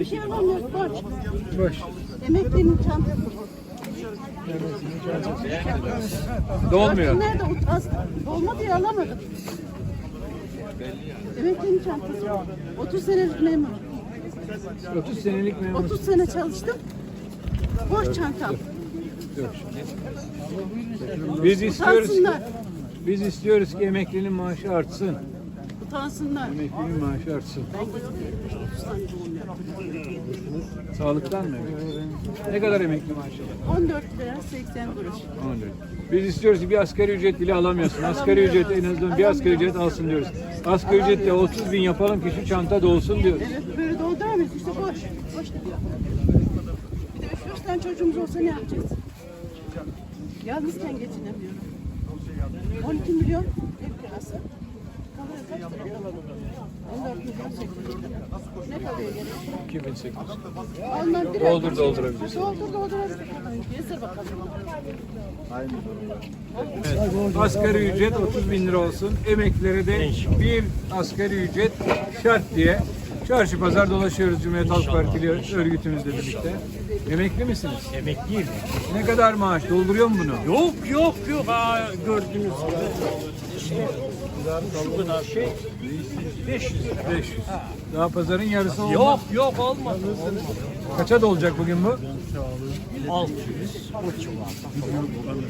Hiçbir şey alamıyoruz. Borç. Boş. Emeklinin çantası. Dolmuyor. Nerede utansın? Dolma diye alamadım. Emeklinin çantası. 30 senelik memur. 30 senelik memur. 30 sene çalıştım. Boş çantam. Biz istiyoruz ki, Utansınlar. biz istiyoruz ki emeklinin maaşı artsın. Utansınlar. Emeklinin maaşı artsın. Ben 30 tane doğum yaptım. Sağlıktan mı? Ne kadar emekli maaşı? 14 lira 80 kuruş. 14. Biz istiyoruz ki bir asgari ücret bile alamıyorsun. Asgari ücret en azından bir asgari ücret alsın diyoruz. Asgari ücretle 30 bin yapalım ki şu çanta dolsun diyoruz. Evet böyle dolduramıyoruz işte boş. Boş da diyor. Bir de 3 tane çocuğumuz olsa ne yapacağız? Yalnızken geçinemiyorum. 12 milyon ev kirası. Kalıyor kaç lira? 14 milyon 800 lira. Ne kalıyor geriye? 2008. Ondan bir Doldur doldurabilirsin. Doldur doldurabilirsin. Gezir bakalım. Evet. Asgari ücret 30 bin lira olsun. Emeklilere de bir asgari ücret şart diye çarşı pazar dolaşıyoruz Cumhuriyet Halk Partili örgütümüzle birlikte. Emekli misiniz? Emekliyim. Ne kadar maaş? Dolduruyor mu bunu? Yok. Ha, gördüğünüz gibi. İşte şu kadar şey 500 lira. 500. Daha pazarın yarısı oldu. Yok olmaz. Kaça dolacak bugün bu? 600 o civarda.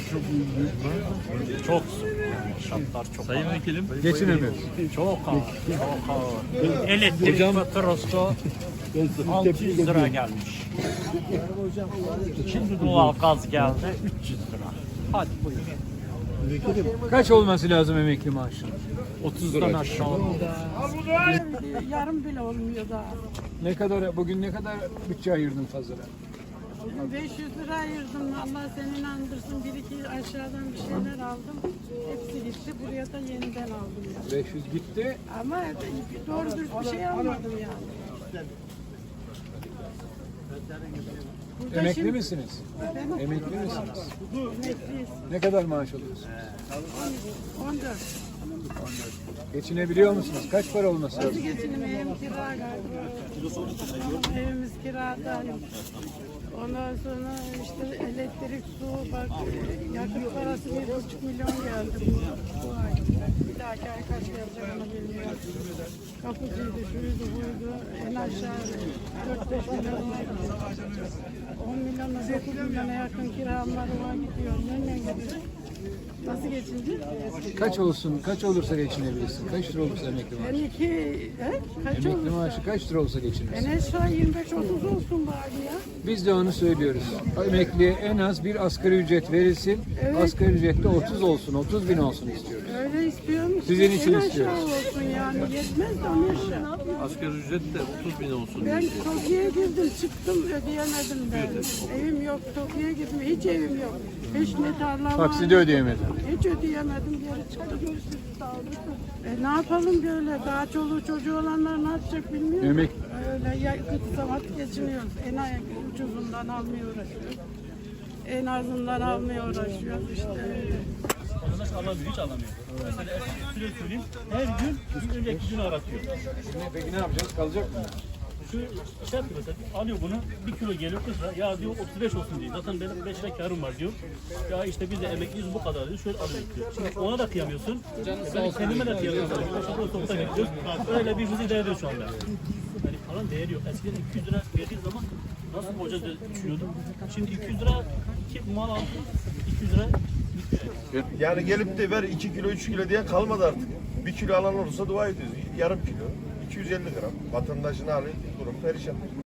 Çok zor. Yani şartlar çok Sayın Vekilim. Geçinemiyoruz. Çok ağır. Elektrik faturası 600 lira gelmiş. Şimdi doğal gaz geldi 300 lira. Hadi buyurun. Kaç olması lazım emekli maaşı? 30'dan aşağı olmaz. Yarım bile olmuyor daha. Ne kadar bugün ne kadar bütçe ayırdın pazara? Bugün 500 lira ayırdım. Allah seni inandırsın. Bir iki aşağıdan bir şeyler aldım. Hepsi gitti. Buraya da yeniden aldım yani. 500 gitti. Ama doğru dürüst bir şey almadım yani. Burada Emekli şimdi- misiniz? Efendim? Emekli misiniz? Emekliyiz. Ne kadar maaş alıyorsunuz? 14. Geçinebiliyor musunuz? Kaç para olması Nasıl lazım? geçinim? Evim kira galiba. Evimiz kirada. Ondan sonra işte elektrik, su, bak yakıt parası 1,5 milyon geldi bu ay. Bir dahaki ay kaç gelecek onu bilmiyorum. Kapıcıydı, şuydu, buydu. En aşağı 4-5 milyon var. 10 milyona 9 milyona yakın kiramlar var gidiyor. Nereden gidiyor? Nasıl geçineceğiz? Kaç olsun? Kaç olursa geçinebilirsin? Kaç lira olursa emekli Ben maaşı? kaç Emekli olursa? maaşı kaç lira olsa En geçinirsin? aşağı 25-30 olsun bari ya. Biz de onu söylüyoruz. Emekliye en az bir asgari ücret verilsin. Asgari ücrette 30 olsun, 30 bin olsun istiyoruz. Öyle istiyorum. Sizin için En aşağı istiyoruz. olsun yani. Yetmez de onu aşağı. Asgari ücret de 30 bin olsun. Ben Tokyo'ya girdim, çıktım, ödeyemedim ben. Evim yok, Tokyo'ya girdim, hiç evim yok. Hiç ne tarla var. Taksidi ödeyemedim. Hiç ödeyemedim, geri çıktım. Ne yapalım böyle, daha çoluğu çocuğu olanlar ne yapacak bilmiyorum. Emek- Öyle yakıt saat geçiniyoruz. En ucuzundan almaya uğraşıyoruz. En azından almaya uğraşıyoruz işte. Vatandaş alamıyor, hiç alamıyor. Mesela şöyle söyleyeyim, her gün bir önceki günü aratıyor. Peki ne yapacağız? Kalacak mı? Şu şey yapıyor mesela, alıyor bunu, 1 kilo geliyor 40 lira, ya diyor 35 olsun diyor. Zaten benim 5 lira karım var diyor. Ya işte biz de emekliyiz bu kadar diyor, şöyle alıyoruz diyor. Şimdi ona da kıyamıyorsun, ben kendime de kıyamıyorum. Aşağıda sokakta bekliyoruz. Öyle birbirimizi idare ediyoruz şu anda. Yani paranın değeri yok. Eskiden 200 lira verdiği zaman nasıl borca düşünüyordum. Şimdi 200 lira ki mal aldım, 200 lira bitti. Yani gelip de ver 2 kilo 3 kilo diye kalmadı artık. 1 kilo alan olursa dua ediyoruz. Yarım kilo 250 gram vatandaşın hali durum perişan.